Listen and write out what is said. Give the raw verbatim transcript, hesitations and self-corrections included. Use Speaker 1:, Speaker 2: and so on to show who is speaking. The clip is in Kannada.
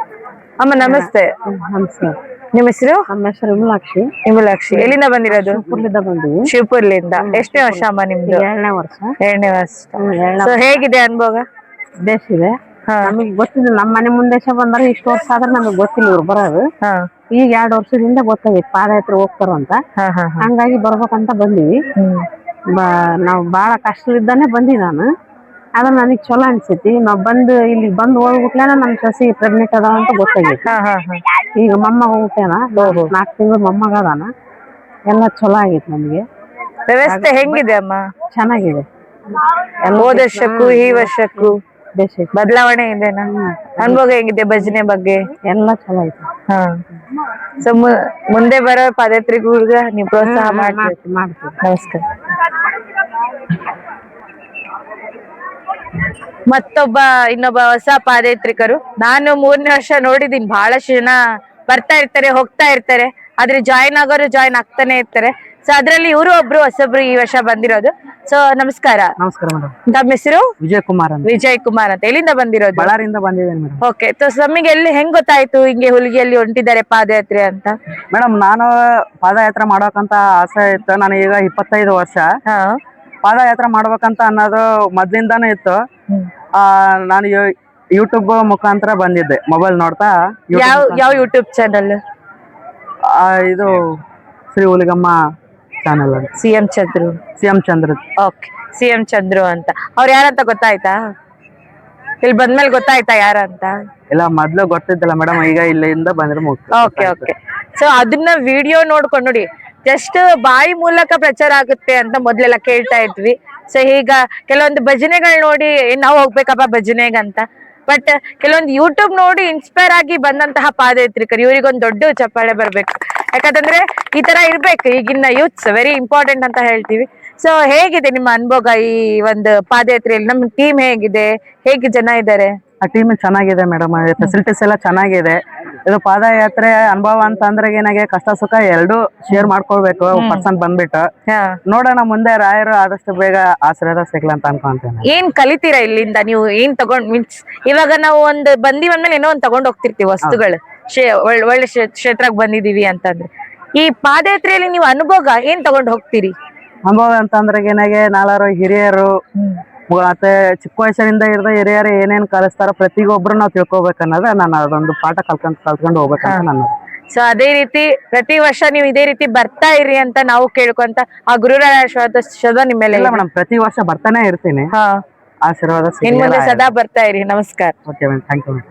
Speaker 1: ಅಮ್ಮ ನಮಸ್ತೆ.
Speaker 2: ನಮಸ್ಕಾರ.
Speaker 1: ನಿಮ್ಮ ಹೆಸರು?
Speaker 2: ನಮ್ಮ ಹೆಸರು ವಿಮಲಾಕ್ಷಿ.
Speaker 1: ವಿಮಲಾಕ್ಷಿ. ಎಲ್ಲಿಂದ ಬಂದಿರೋದು?
Speaker 2: ಶಿವಪುರದಿಂದ ಬಂದಿವಿ.
Speaker 1: ಶಿವಪುರ್ಲಿಂದ. ಎಷ್ಟನೇ ವರ್ಷ ಅಮ್ಮ ನಿಮ್ದು?
Speaker 2: ಎರಡನೇ ವರ್ಷ.
Speaker 1: ಎರಡನೇ ವರ್ಷ. ಸೊ ಹೇಗಿದೆ ಅನುಭವ?
Speaker 2: ಬೇಸಿದೆ. ನಮಗೆ ಗೊತ್ತಿಲ್ಲ, ನಮ್ಮ ಮನೆ ಮುಂದೆ ಬಂದ್ರೆ ಇಷ್ಟು ವರ್ಷ ಆದ್ರೆ ನಮಗೆ ಗೊತ್ತಿಲ್ಲ ಇವ್ರು ಬರೋದು. ಈಗ ಎರಡು ವರ್ಷದಿಂದ ಗೊತ್ತಾಗೈತಿ ಪಾದಯಾತ್ರೆ ಹೋಗ್ತಾರ ಅಂತ. ಹಂಗಾಗಿ ಬರ್ಬೇಕಂತ ಬಂದಿವಿ. ನಾವು ಬಾಳ ಕಷ್ಟದಿಂದಾನೆ ಬಂದಿ ನಾನು. ಅದ್ರ ನನಗ್ ಚಲೋ ಅನ್ಸೈತಿ. ನಾವ್ ಬಂದು ಇಲ್ಲಿ ಬಂದು ಹೋಗ್ಬಿಟ್ಲೇನ ನಮ್ ಸಸಿ ಪ್ರೆಗ್ನೆಂಟ್ ಅದಾವ ಅಂತ ಗೊತ್ತಾಗೈತಿ. ಈಗ ಮೊಮ್ಮಗ ಹೋಗ್ತೇನ, ನಾಲ್ಕು ತಿಂಗಳು ಮೊಮ್ಮಗ ಅದಾನ. ಎಲ್ಲ ಚಲೋ ಆಗೈತಿ ನಮ್ಗೆ.
Speaker 1: ವ್ಯವಸ್ಥೆ ಹೆಂಗಿದೆ ಅಮ್ಮ? ಚೆನ್ನಾಗಿದೆ. ಹೋದ ವರ್ಷಕ್ಕೂ ಈ ವರ್ಷಕ್ಕೂ ಬದಲಾವಣೆ ಇದೆನಾ? ಅನುಭವ ಹೆಂಗಿದೆ ಭಜನೆ ಬಗ್ಗೆ?
Speaker 2: ಎಲ್ಲ ಚಲೋ ಐತಿ.
Speaker 1: ಹಾ. ಸೊ ಮುಂದೆ ಬರೋ ಪಾದಯಾತ್ರಿಗೂ ನೀವು ಪ್ರೋತ್ಸಾಹ ಮಾಡ್ತೀವಿ. ನಮಸ್ಕಾರ. ಮತ್ತೊಬ್ಬ ಇನ್ನೊಬ್ಬ ಹೊಸ ಪಾದಯಾತ್ರಿಕರು. ನಾನು ಮೂರನೇ ವರ್ಷ ನೋಡಿದೀನಿ, ಬಹಳಷ್ಟು ಜನ ಬರ್ತಾ ಇರ್ತಾರೆ ಹೋಗ್ತಾ ಇರ್ತಾರೆ, ಆದ್ರೆ ಜಾಯಿನ್ ಆಗೋರು ಜಾಯಿನ್ ಆಗ್ತಾನೆ ಇರ್ತಾರೆ. ಸೊ ಅದ್ರಲ್ಲಿ ಇವರು ಒಬ್ರು ಹೊಸಬ್ರು ಈ ವರ್ಷ ಬಂದಿರೋದು. ಸೊ ನಮಸ್ಕಾರ.
Speaker 2: ನಮಸ್ಕಾರ ಮೇಡಮ್.
Speaker 1: ತಮ್ಮ ಹೆಸರು?
Speaker 2: ವಿಜಯ್ ಕುಮಾರ್ ಅಂತ.
Speaker 1: ವಿಜಯ್ ಕುಮಾರ್ ಅಂತ. ಎಲ್ಲಿಂದ ಬಂದಿರೋದು?
Speaker 2: ಬಳ್ಳಾರಿಯಿಂದ ಬಂದಿದ್ದೇನೆ ಮೇಡಮ್.
Speaker 1: ಓಕೆ. ನಮಗೆ ಎಲ್ಲಿ ಹೆಂಗ್ ಗೊತ್ತಾಯ್ತು ಹಿಂಗೆ ಹುಲಿಗೆಯಲ್ಲಿ ಹೊಂಟಿದ್ದಾರೆ ಪಾದಯಾತ್ರೆ ಅಂತ?
Speaker 2: ಮೇಡಮ್ ನಾನು ಪಾದಯಾತ್ರೆ ಮಾಡೋಕಂತ ಆಸೆ ಇತ್ತು. ನನಗೆ ಈಗ ಇಪ್ಪತ್ತೈದು ವರ್ಷ. ಪಾದಯಾತ್ರೆ ಮಾಡ್ಬೇಕಂತ ಅನ್ನೋದು ಮೊದ್ಲಿಂದಾನೇ ಇತ್ತು. ಆ ನಾನು ಯೂಟ್ಯೂಬ್ ಮುಖಾಂತರ ಬಂದಿದ್ದೆ, ಮೊಬೈಲ್ ನೋಡ್ತಾ.
Speaker 1: ಯಾವ ಯಾವ ಯೂಟ್ಯೂಬ್ ಚಾನಲ್?
Speaker 2: ಇದು Shri Huligamma channel.
Speaker 1: C M Chandru.
Speaker 2: C M Chandra.
Speaker 1: Okay. C M Chandru ಅಂತ. ಅವ್ರು ಯಾರಂತ ಗೊತ್ತಾಯ್ತಾ? ಇಲ್ಲಿ ಬಂದ್ಮೇಲೆ ಗೊತ್ತಾಯ್ತಾ ಯಾರಂತ?
Speaker 2: ಇಲ್ಲ, ಮೊದ್ಲು ಗೊತ್ತಿದ್ದಿಲ್ಲ ಮೇಡಮ್. ಈಗ ಇಲ್ಲಿಂದ ಬಂದ್ರೆ
Speaker 1: ಓಕೆ ಓಕೆ. ಸೊ ಅದನ್ನ ವಿಡಿಯೋ ನೋಡ್ಕೊಂಡು ನೋಡಿ, ಜಸ್ಟ್ ಬಾಯಿ ಮೂಲಕ ಪ್ರಚಾರ ಆಗುತ್ತೆ ಅಂತ ಮೊದ್ಲೆಲ್ಲ ಕೇಳ್ತಾ ಇದ್ವಿ. ಸೊ ಈಗ ಕೆಲವೊಂದು ಭಜನೆಗಳು ನೋಡಿ ನಾವು ಹೋಗ್ಬೇಕಪ್ಪ ಭಜನೆಗಂತ, ಬಟ್ ಕೆಲವೊಂದು ಯೂಟ್ಯೂಬ್ ನೋಡಿ ಇನ್ಸ್ಪೈರ್ ಆಗಿ ಬಂದಂತಹ ಪಾದಯಾತ್ರಿಕರು, ಇವರಿಗೊಂದು ದೊಡ್ಡ ಚಪ್ಪಾಳೆ ಬರ್ಬೇಕು. ಯಾಕಂತಂದ್ರೆ ಈ ತರ ಇರ್ಬೇಕು ಈಗಿನ ಯೂತ್ಸ್, ವೆರಿ ಇಂಪಾರ್ಟೆಂಟ್ ಅಂತ ಹೇಳ್ತೀವಿ. ಸೊ ಹೇಗಿದೆ ನಿಮ್ಮ ಅನುಭವ ಈ ಒಂದು ಪಾದಯಾತ್ರೆಯಲ್ಲಿ? ನಮ್ಮ ಟೀಮ್ ಹೇಗಿದೆ, ಹೇಗೆ ಜನ ಇದ್ದಾರೆ?
Speaker 2: ಆ ಟೀಮ್ ಚೆನ್ನಾಗಿದೆ ಮೇಡಮ್. ಫೆಸಿಲಿಟೀಸ್ ಎಲ್ಲ ಚೆನ್ನಾಗಿದೆ. ಇದು ಪಾದಯಾತ್ರೆ ಅನುಭವ ಅಂತ ಅಂದ್ರೆ ಏನಾಗೆ ಕಷ್ಟ ಸುಖ ಎರಡು ಶೇರ್ ಮಾಡ್ಕೊಳ್ಬೇಕು ಪರ್ಸನ್ ಬಂದ್ಬಿಟ್ಟು. ನೋಡೋಣ ಮುಂದೆ ರಾಯರು ಆದಷ್ಟು ಬೇಗ ಆಶೀರ್ವಾದ ಸಿಗ್ಲ ಅಂತ ಅನ್ಕೊಂತೇನೆ.
Speaker 1: ಏನ್ ಕಲಿತೀರಾ ಇಲ್ಲಿಂದ ನೀವು? ಏನ್ ತಗೊಂಡ್ ಮೀನ್ಸ್ ಇವಾಗ ನಾವು ಒಂದ್ ಬಂದಿವ್ ಅಂದ್ಮೇಲೆ ಏನೋ ಒಂದ್ ತಗೊಂಡ್ ಹೋಗ್ತಿರ್ತೀವಿ ವಸ್ತುಗಳು, ಒಳ್ಳೆ ಕ್ಷೇತ್ರಕ್ಕೆ ಬಂದಿದೀವಿ ಅಂತಂದ್ರೆ. ಈ ಪಾದಯಾತ್ರೆಯಲ್ಲಿ ನೀವು ಅನುಭವ ಏನ್ ತಗೊಂಡ್ ಹೋಗ್ತೀರಿ?
Speaker 2: ಅನುಭವ ಅಂತಂದ್ರೆ ಏನಾಗೆ ನಾಲ್ವರು ಹಿರಿಯರು ಮತ್ತೆ ಚಿಕ್ಕ ವಯಸ್ಸಿನಿಂದ ಹಿಡಿದ ಹಿರಿಯರು ಏನೇನ್ ಕಲಿಸ್ತಾರೋ ಪ್ರತಿಯೊಬ್ರು ನಾವು ತಿಳ್ಕೊಬೇಕು ಅನ್ನೋದು ನಾನು ಅದೊಂದು ಪಾಠ ಕಲ್ಕೊಂಡ್ ಕಲ್ತ್ಕೊಂಡು ಹೋಗ್ಬೇಕಂತ ನಾನು.
Speaker 1: ಸೊ ಅದೇ ರೀತಿ ಪ್ರತಿ ವರ್ಷ ನೀವು ಇದೇ ರೀತಿ ಬರ್ತಾ ಇರಿ ಅಂತ ನಾವು ಕೇಳ್ಕೊಂತ ಆ ಗುರುರಾಯ ಆಶೀರ್ವಾದ ನಿಮ್ಮ ಮೇಲೆ.
Speaker 2: ಇಲ್ಲ ಮೇಡಮ್, ಪ್ರತಿ ವರ್ಷ ಬರ್ತಾನೆ ಇರ್ತೀನಿ. ಆಶೀರ್ವಾದ
Speaker 1: ಇನ್ ಮುಂದೆ ಸದಾ ಬರ್ತಾ ಇರಿ. ನಮಸ್ಕಾರ.
Speaker 2: Okay madam, thank you.